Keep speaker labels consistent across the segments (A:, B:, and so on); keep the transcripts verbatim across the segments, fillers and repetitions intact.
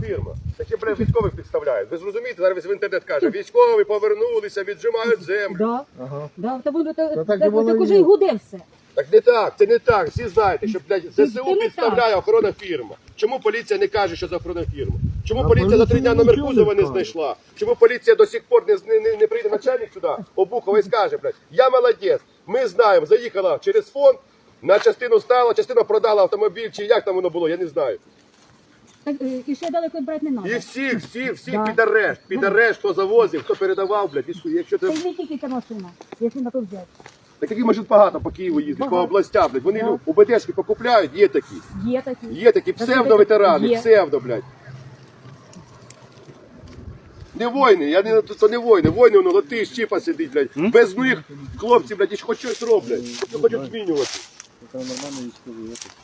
A: фірма. Такі, блядь, військових підставляють. Ви ж розумієте, зараз в інтернет каже, військові повернулися, віджимають землю.
B: Да. Ага. Да, та воно так,
C: так
B: так,
C: і воно
B: так
C: і
B: уже
C: є.
B: і гуде все.
A: Так не так, це не так. Всі знаєте, що, блядь,
B: Це
A: ЗСУ
B: не
A: підставляє охорона фірма. Чому поліція не каже, що за охорона фірма? Чому
C: А
A: поліція за три
C: поліція
A: дня номер
C: нічого
A: кузова
C: не
A: не
C: каже.
A: знайшла? Чому поліція до сих пор не, не, не, не прийде начальник сюди, Обухова, і скаже, блядь, я молодець, ми знаємо, заїхала через фонд, на частину стала, частину продала автомобіль, чи як там воно було, я не знаю.
B: Так, е, і ще далеко брати не
A: І
B: треба.
A: всіх, всіх, всіх
B: Да.
A: під арешт, під арешт, хто завозив, хто передавав, блядь, і якщо
B: Це
A: це...
B: не тільки ця машина, якщо на то взяти.
A: Так таких машин багато по Києву їздять, по
B: Багато.
A: областям, блядь, вони
B: Да.
A: ну, УБДшки покупляють, є такі.
B: Є такі.
A: Є такі псевдо-ветерани,
B: Є.
A: псевдо, блядь. Не воїни, я не, то не воїни, воїни, воно лати, щіпа сидить, блядь. Без них хлопці, блядь, хоч щось роблять, що хочуть змінювати.
C: Це нормально військовий якось.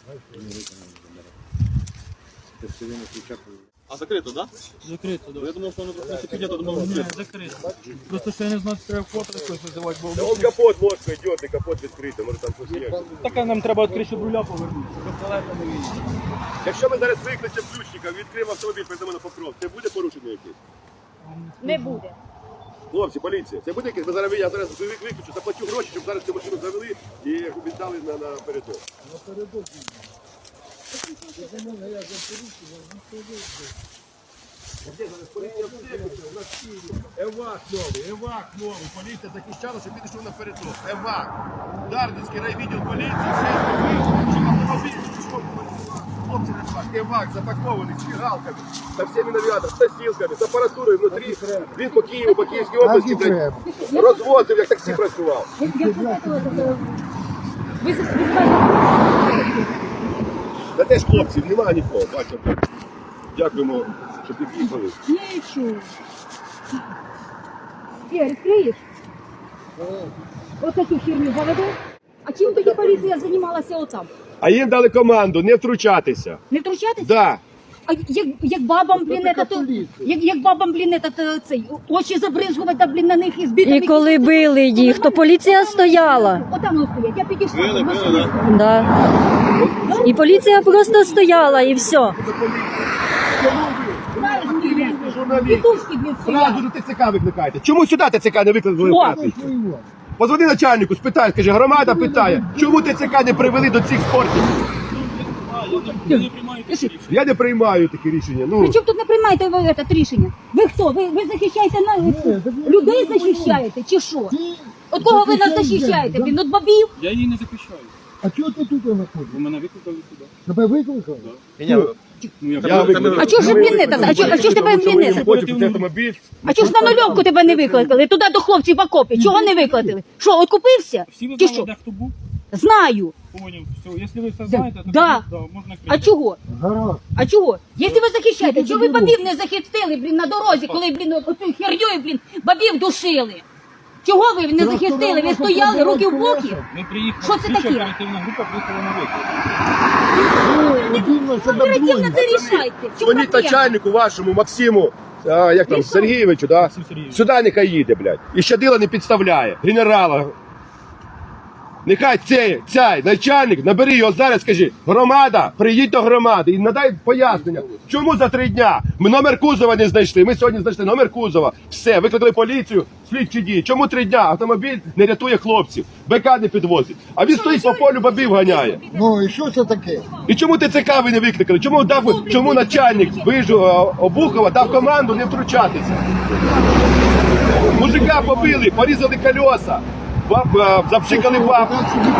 D: А закрито, да?
E: Закрито, да.
D: Я думав, що воно просто піднято, думав,
E: Ні,
D: закрито.
E: закрито. Просто що я не знаю, що треба фото якось визивати, бо
A: Та он капот мозку йде, капот відкритий, може там щось є.
E: таке нам треба відкрити, щоб руля повернути, щоб далеко не вийшло.
A: Якщо ми зараз викличемо ключника, відкриємо автомобіль, прийдемо на покров, це буде порушення якесь?
B: Не буде.
A: Хлопці, поліція, це буде якесь? Ми зараз, я зараз виключу, заплачу гроші, щоб зараз цю машину завели і віддали на, на передок. Евак новий, евак новий. Поліція захищала, щоб підійшов на передок. Евак. Дарницький райвідділ поліції, все зробив, щоб автомобіль пішов. Хлопці на евак. Евак запакований з фігалками, со всіми навігаторами, з носілками, з апаратурою внутрі. Він по Києву, по Київській області,
C: Так і треба.
A: блядь, розвозив, як таксі працював.
B: Як як ви знаєте, ви ви знаєте,
A: Та теж хлопців немає нікого, бачите. Дякуємо, що під'їхали.
B: нічого. Ігор, відкриєш? Ось таку херню заведу. А чим тоді поліція займалася отам?
A: А їм дали команду не втручатися.
B: Не втручатися?
A: Да.
B: А як, як бабам, блін,
C: така
B: это, то,
C: поліція.
B: як, як бабам, блін, это, то, цей, очі забризгувати, блін, на них і збити.
F: І коли били їх, то поліція стояла.
B: Отам вони стоять, я підійшла.
D: Били,
B: машина.
D: били, да?
F: Да. І поліція просто стояла, і все.
B: Знаєш, блін,
A: Журналіст.
B: Петушки, блін,
A: Зразу
B: стоять.
A: до ТЦК викликаєте. Чому сюди ТЦК не викликали?
B: О!
A: П'ятий? Позвони начальнику, спитай, скажи, громада питає, чому ТЦК не привели до цих спортів?
E: Я не приймаю такі рішення.
A: Я не приймаю такі рішення. Ну,
B: При чому тут не приймаєте ви це рішення? Ви хто? Ви, ви захищаєте на... людей захищаєте чи що? От кого ви нас захищаєте? Блін, от бабів?
E: Я її не захищаю,
C: А чого ти тут знаходиш?
E: бо мене викликали сюди.
C: Тебе викликали?
E: Ну, я,
A: я викликав.
B: А чого ж блін не так? А чого, а чого ж тебе блін не так?
A: Хочу купити автомобіль.
B: А чого ж на нульовку тебе не викликали? Туди до хлопців в окопі. Чого не викликали? Що, от купився?
E: всі ви
B: Чи
E: знали,
B: що?
E: де хто був?
B: Знаю.
E: Поняв. Все, якщо ви все знаєте, то
B: Да.
E: тоді, да, можна
B: А
E: крити.
B: чого?
C: Гаразд.
B: А чого? Якщо ви захищаєте, чого ви бабів не захистили, блін, на дорозі, коли, блін, оцю херньою, блін, бабів душили? Чого ви не захистили? Ви стояли, руки в боки?
E: Ми приїхали,
B: Що це
E: слідча
B: таке?
E: оперативна група приїхала на виклик.
C: Дивно себе
B: Оперативно
C: двоє.
B: це рішайте. В чому
A: Дзвоніть
B: проблема?
A: начальнику вашому, Максиму, а, як там, Сергійовичу, да?
E: Максим Сергійович.
A: Сюди нехай їде, блядь. І щадила не підставляє. Генерала. Нехай цей, цей начальник, набери його зараз, скажи, громада, приїдь до громади і надай пояснення, чому за три дня ми номер кузова не знайшли, ми сьогодні знайшли номер кузова, все, викликали поліцію, слідчі дії, чому три дня автомобіль не рятує хлопців, БК не підвозить, а він стоїть по полю, бабів ганяє.
C: Ну і що це таке?
A: І чому ТЦК ви не викликали, чому, дав, чому начальник вижу Обухова дав команду не втручатися? Мужика побили, порізали колеса, баб- а, запшикали баб.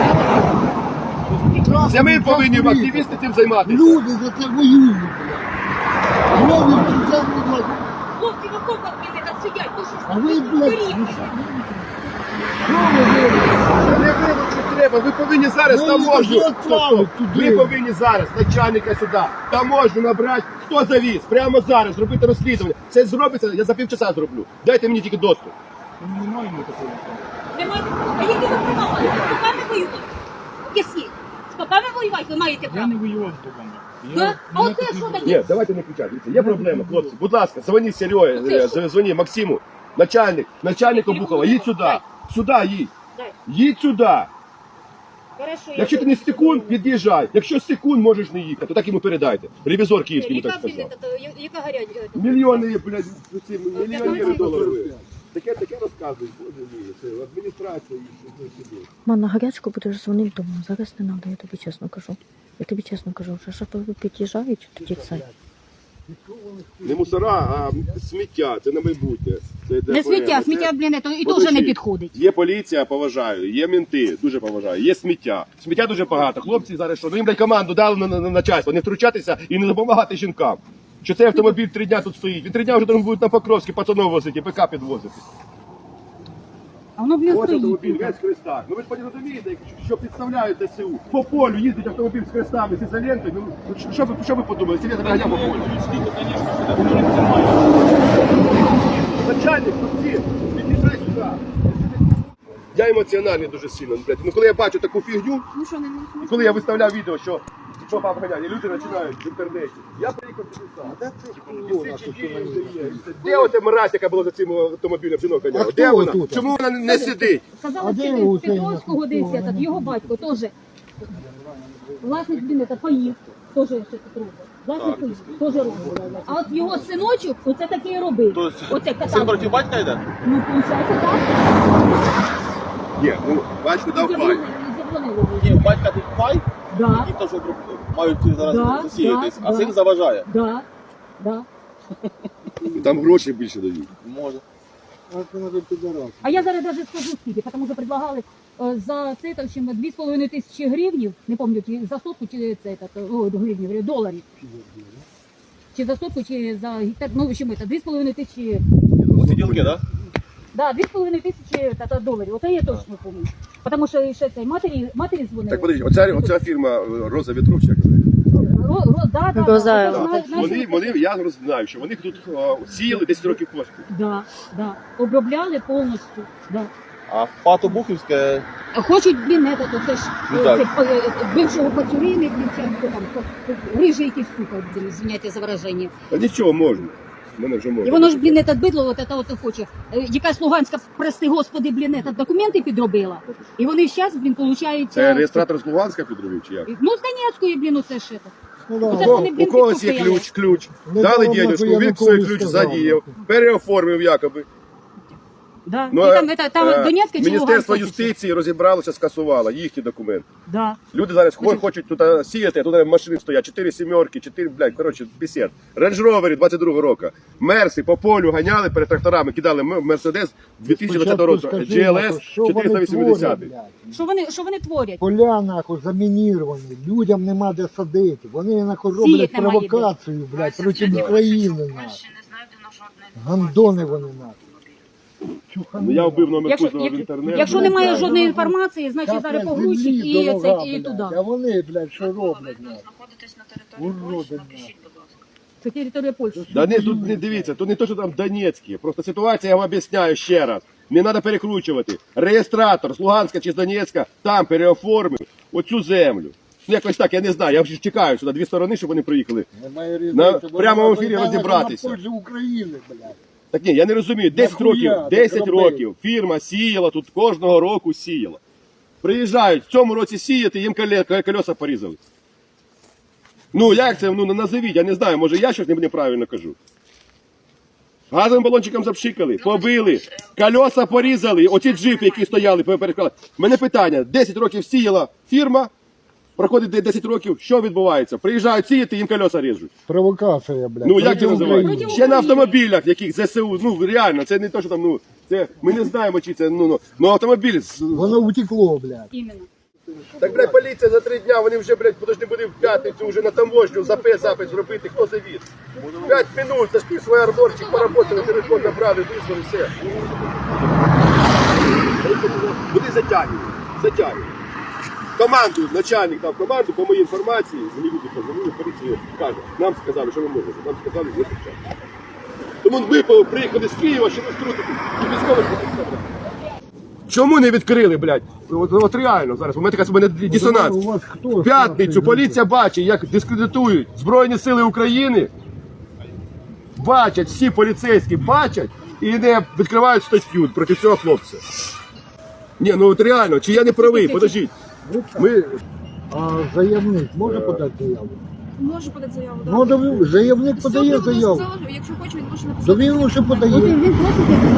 A: Це ми повинні активісти цим займатися.
C: Люди за це воюють. блядь. Роблять це все, блядь.
B: Хлопці в окопах, блін, там сидять. Ну що ж
C: А
B: ви,
C: ви, блядь,
B: беріть.
C: що ви робите?
A: Не вибачте, треба, ви повинні зараз
C: Ви
A: таможню.
C: їх відправили туди.
A: Ви повинні зараз начальника сюди, таможню набрати, хто завіз, прямо зараз, зробити розслідування. Це зробиться, я за півчаса зроблю. Дайте мені тільки доступ.
E: Ми не маємо такого.
B: Ви маєте... А які ви права маєте? З попами воювати? Які? З попами воювати ви маєте
E: Я
B: право?
E: не воював з богами.
B: Да? А оце що таке?
A: Ні, давайте не кричати. Дивіться, є проблема, хлопці. Будь ласка, дзвоніть Серега, дзвоніть Максиму, начальник, начальник Обухова, їдь сюди. Сюди їдь.
B: Дай.
A: Їдь сюди.
B: Хорошо,
A: Якщо ти не з секунд, під'їжджай. Якщо з секунд можеш не їхати, то так йому передайте. Ревізор київський йому так сказав.
B: Яка гаряча?
A: Мільйони, блядь, ці мільйонери доларів. Таке, таке розказують, боже мій, це адміністрація і що сюди.
F: Ман, на гарячку будеш дзвонити дому. Зараз не треба, я тобі чесно кажу. Я тобі чесно кажу, вже шофери під'їжджають, тоді це.
A: Не мусора, а сміття, це на майбутнє. Це йде
B: Не сміття,
A: порядок.
B: сміття,
A: Це-
B: блін, то і
A: Подожди.
B: теж не підходить.
A: Є поліція, поважаю, є мінти, дуже поважаю, є сміття. Сміття дуже багато. Хлопці зараз що? Ну їм блядь, команду дали на, на, на начальство, не втручатися і не допомагати жінкам. Що цей автомобіль три дня тут стоїть. Він три дня вже там будуть на Покровській пацанов возити, ПК підвозити.
B: А воно, блін,
A: Ось автомобіль,
B: стоїть.
A: весь в хрестах. Ну ви ж потім розумієте, що підставляють ДСУ. По полю їздить автомобіль з хрестами, з ізолентою. Ну, що- що ви, що ви подумали? Сидять на по полю.
D: Скільки, звісно, сюди не займається.
A: Начальник, всі, під'їжджай сюди. Я емоціональний дуже сильно. Блядь. Ну коли я бачу таку фігню,
B: Ну що, не
A: і коли я виставляв відео, що що папа ганяє, і люди починають в інтернеті. Я приїхав сюди сам. Де ота мразь, яка була за цим автомобілем, жінок
C: А
A: ганяла?
C: хто
A: Де вона?
C: тут?
A: Чому вона не сидить?
B: Сказала,
C: А де
B: що
C: його
B: з Петровського десь, этот, його батько теж. Власник, блін, це поїв. Теж ще тут робить. Власник поїв, теж робить. А от його синочок, оце таке і робив.
D: Тобто
B: Оце
D: син
B: катав.
D: проти батька йде?
B: Ну, виходить, так.
A: Ні, ну батько дав пай.
B: Заборонили, заборонили.
D: Ні, у батька тут пай,
B: Да,
D: які теж мають зараз
B: Да,
D: засіятись,
B: да,
D: а
B: да.
D: син заважає.
B: да, да.
A: Там гроші більше дають.
D: Може.
C: А це надо підарас.
B: А я зараз навіть скажу скільки, тому що предлагали е, за це там ще дві з половиною тисячі гривнів, не пам'ятаю, чи за сотку, чи це, так, о, гривнів, говорю, доларів. Чи за сотку, чи за гектар, ну, в общем, це дві з половиною тисячі,
D: Оці ділки, так?
B: да, дві з половиною тисячі та, та, доларів, оце я точно пам'ятаю. Тому що ще цей матері, матері дзвонили.
A: Так подивіться, оця, оця фірма е, Роза Вітров, чи як вона?
B: Ро, ро, да, да,
F: Розаєва.
B: да,
A: Так,
B: Зна-
A: Вони,
B: знаєш,
A: вони, я знаю, що вони тут е, сіяли десять років поспіль.
B: Да, да, обробляли повністю, да.
D: А в Пато Бухівське
B: Хочуть, блін, это, то це ж
D: Ну,
B: е,
D: так.
B: це, е, е, бившого пацюрини, блін, чи хто там, рижий якийсь сука, блін, звиняйте за вираження.
A: Та нічого можна. Мене вже можна.
B: І воно ж, блін, этот бидло, от это от хоче. Е, Якась Луганська, прости господи, блін, этот, документи підробила. І вони зараз, блін, получають...
A: Це реєстратор з Луганська підробив, чи як?
B: Ну, з Донецької, блін, оце ж это.
C: Ну, да.
B: Оце
A: У
B: ж
A: кого-
B: вони, блін,
A: у когось є
B: підкупили.
A: ключ, ключ.
C: Не
A: Дали
C: дав,
A: дідушку,
C: нахуй,
A: він свій
C: Янукович
A: ключ
C: сказав,
A: задіяв,
C: нахуй.
A: переоформив якоби.
B: Да.
A: Ну,
B: і там, это, там
A: е,
B: Донецька чи
A: Міністерство
B: Луганська?
A: юстиції розібралося, скасувало їхні документи.
B: Да.
A: Люди зараз хо- хочуть тут а, сіяти, а тут машини стоять, чотири сімерки, чотири, блядь, коротше, пісет. Рейндж Ровери двадцять другого року. Мерси по полю ганяли перед тракторами, кидали М- Мерседес дві тисячі двадцятого року,
C: Спочатку
A: джі ел
C: скажи,
A: ес
C: нахуй, що вони
A: чотириста вісімдесят.
C: творять, блядь?
B: Що вони, що вони творять?
C: Поля нахуй замініровані, людям нема де садити. Вони нахуй
B: Сіять
C: роблять
B: немає де.
C: провокацію, блядь, проти України нахуй. Гандони вони нахуй.
A: Ну, я вбив номер
B: Якщо,
A: кузова в
B: як-
A: інтернеті.
B: якщо
A: не
B: немає
A: знаю.
B: жодної інформації, значить
C: Капля
B: зараз погрузчик
C: землі
B: і,
C: дорога,
B: це, і
C: блядь.
B: туди.
C: А вони, блядь, що роблять нахуй?
G: знаходитесь на території
C: Уроди,
G: Польщі,
C: нахуй.
G: напишіть, будь ласка.
B: Це територія Польщі.
A: Да не, тут не дивіться, тут не то, що там Донецькі. Просто ситуація, я вам об'ясняю ще раз. Не треба перекручувати. Реєстратор з Луганська чи з Донецька там переоформив оцю землю. Ну, якось так, я не знаю. Я вже чекаю сюди дві сторони, щоб вони приїхали.
C: Немає
A: На
C: різниці, бо
A: прямому
C: вона
A: ефірі
C: війна
A: розібратися.
C: на пользу України, блядь.
A: Так ні, я не розумію. десять
C: Нахуя
A: років,
C: так
A: десять
C: робити?
A: років фірма сіяла тут кожного року сіяла. Приїжджають в цьому році сіяти, їм коле- колеса порізали. Ну як це? Ну назовіть, я не знаю, може я щось неправильно кажу. Газовим балончиком запшикали, побили, колеса порізали, оці джипи, які стояли, переклали. Мене питання, десять років сіяла фірма, проходить десять років, що відбувається? Приїжджають сіяти, їм колеса ріжуть.
C: Провокація, блядь.
A: Ну як
C: проти
A: це називається?
C: України.
A: Ще на автомобілях, яких ЗСУ, ну реально, це не то, що там, ну, це, ми не знаємо, чи це, ну, ну, ну автомобіль. з-
C: Воно утекло, блядь.
B: Іменно.
A: Так, блядь, поліція за три дня, вони вже, блядь, подожди, буде в п'ятницю вже на таможню ЗП запит зробити, хто завіз. П'ять минут, зашли свій арборчик, поработали, телефон набрали, визвали, все. Буде затягнені, затягнені. Команду, начальник дав команду, по моїй інформації, мені люди позвонили, поліцію каже, нам сказали, що ви можете, нам сказали, не кричати. Тому ми приїхали з Києва, щоб втрутити і військових представляти. Чому не відкрили, блядь? От, от реально зараз, у мене така у мене дисонанс.
C: У вас хто?
A: В п'ятницю поліція бачить, як дискредитують Збройні Сили України. Бачать, всі поліцейські бачать і не відкривають статтю проти цього хлопця. Ні, ну от реально, чи я не правий, подождіть. Ми
C: А заявник може подати заяву?
G: Можу подати заяву, так.
C: Ну, да, заявник подає
G: Суд буде
C: заяву.
G: сказати, якщо хоче, він може
C: Да
G: написати.
C: він лише
B: От
C: подає.
B: він просить, як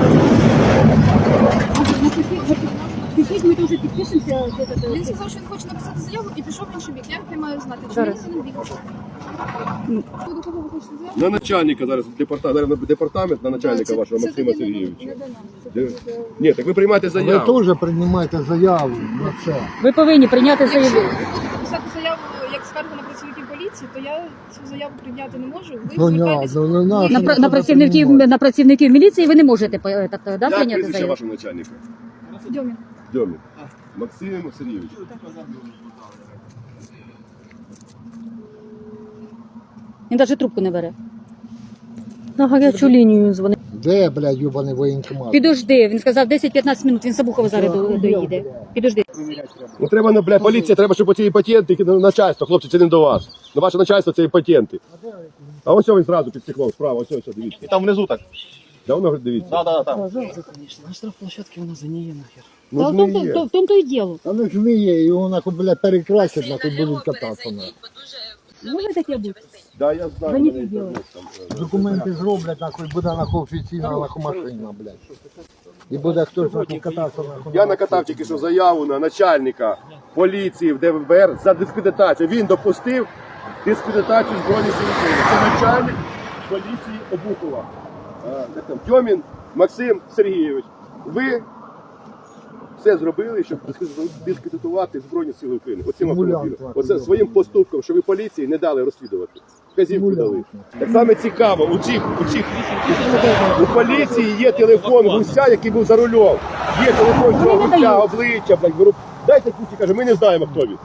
B: напишіть, напишіть, ми теж підпишемося. це, це, це.
G: Він сказав, що він хоче написати заяву і пішов в інший бік. Я не маю знати, чи
B: Зараз.
G: він не бік. Ви до кого ви хочете заяву?
A: на начальника зараз департамент, зараз департамент на начальника
G: Це-
A: вашого
G: це
A: Максима
G: тоді не
A: Сергійовича.
B: Не до нас. Це
A: Де?
B: буде-
A: Ні, так ви приймаєте
C: Ви
A: заяву.
C: теж приймаєте заяву на це.
B: Ви повинні прийняти заяву.
G: Якщо написати заяву як скаргу на працівників поліції, то я цю заяву прийняти не можу. Ви
C: Ну,
G: звертаєтесь.
C: ну, ну, на,
B: На, пра- на, працівників, на працівників міліції ви не можете е, так, да,
A: Як
B: прийняти
A: прізвище
B: заяву?
A: вашого начальника?
G: Дьомін.
A: Дьомін. Максим Сергійович.
B: Він навіть трубку не бере.
F: На гарячу лінію дзвонить.
C: Де, блядь, юбаний воєнкомат?
B: Підожди, він сказав десять-п'ятнадцять минут, він Сабухова зараз до- доїде. Підожди.
A: Ну треба, ну, бля, поліція, треба, щоб оці патенти, ну, начальство, хлопці, це не до вас. Ну, ваше начальство це і патенти. А ось він зразу під стеклом, справа, ось ось, дивіться.
D: І там внизу так.
A: Давно дивіться.
D: Да, да, там.
E: На штрафплощадці вона загниє нахер.
A: Ну,
B: Та в
A: ж
B: тому
A: не
B: то-
A: є.
B: то- в тому то і діло.
C: А ну ж не є, його нахуй, блядь, перекрасять, нахуй будуть кататися. нахуй.
B: Може таке бути?
A: Да, я знаю.
B: Заніть
A: мене
B: діло.
A: інтернет там, е,
C: Документи зроблять, нахуй, буде нахуй офіційна нахуй машина, блядь. І буде хтось нахуй кататися, нахуй.
A: Я накатав тільки що заяву на начальника поліції в Д В Б Р за дискредитацію. Він допустив дискредитацію Збройних Сил України. Це начальник поліції Обухова. А, як там, Дьомін Максим Сергійович. Ви все зробили, щоб дискредитувати Збройні Сили України. Оцим
C: Симулянт,
A: автомобілем.
C: нахуй,
A: Оце
C: добре.
A: своїм поступком, що ви поліції не дали розслідувати. Вказівку дали.
C: Симулянт.
A: Так само цікаво, у цих, у цих у поліції є телефон гуся, який був за рулем. Є телефон цього
B: Вони не
A: гуся,
B: дають.
A: обличчя, блядь, беру. Дайте кучі, каже, ми не знаємо, хто він.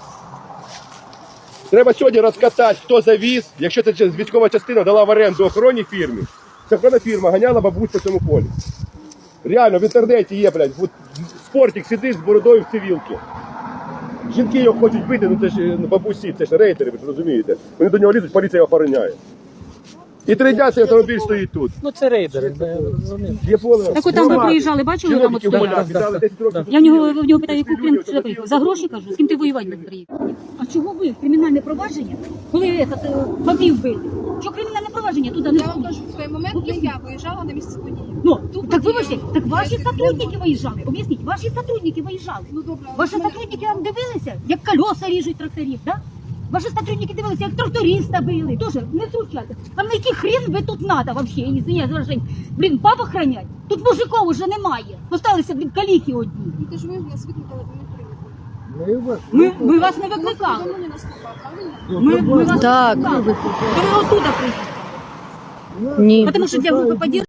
A: Треба сьогодні розкатати, хто завіз, якщо це військова частина дала в оренду охоронній фірмі. Це охоронна фірма ганяла бабусь по цьому полі. Реально, в інтернеті є, блядь, от спортик сидить з бородою в цивілці. Жінки його хочуть бити, ну це ж е, бабусі, це ж рейтери, ви ж розумієте. Вони до нього лізуть, поліція його охороняє. І три дня цей автомобіль стоїть тут.
E: Ну це рейдери, це вони.
A: Є поле.
B: Так от там ви приїжджали, бачили, там от
A: Чиновники в
B: стояли?
A: полях віддали десять років.
B: Я в нього, в нього питаю, яку крім це, за гроші кажу, з ким ти воювати не приїхав. А чого ви кримінальне провадження, коли этот, е, бабів били? Що кримінальне провадження туди не
G: Я вам
B: входить?
G: кажу, в той момент не я виїжджала на місце події.
B: Ну,
G: Тут
B: так
G: подія.
B: вибачте, так ваші
G: Я
B: сотрудники виїжджали. Об'ясніть, ваші сотрудники виїжджали.
G: Ну добре, але
B: Ваші
G: в мене-
B: сотрудники вам дивилися, як колеса ріжуть тракторів, да? Ваші сотрудники дивилися, як тракториста били. Тоже не втручайте. А на який хрен ви тут надо вообще? Извиняюсь за выражение. Блін, баб охранять? Тут мужиков уже немає. Осталися, блін, каліки одні.
G: Ну, ти ж ви нас викликали, ви не приїхали.
C: Ми вас-
B: Ми, ми вас не
G: Вас
B: викликали.
G: давно не наступав, правильно?
C: Ну,
B: Ми,
C: то
B: ми вас
F: Так.
B: не викликали. Ви оттуда приїхали.
C: Ну,
F: Ні.
B: Тому що для групи поддержки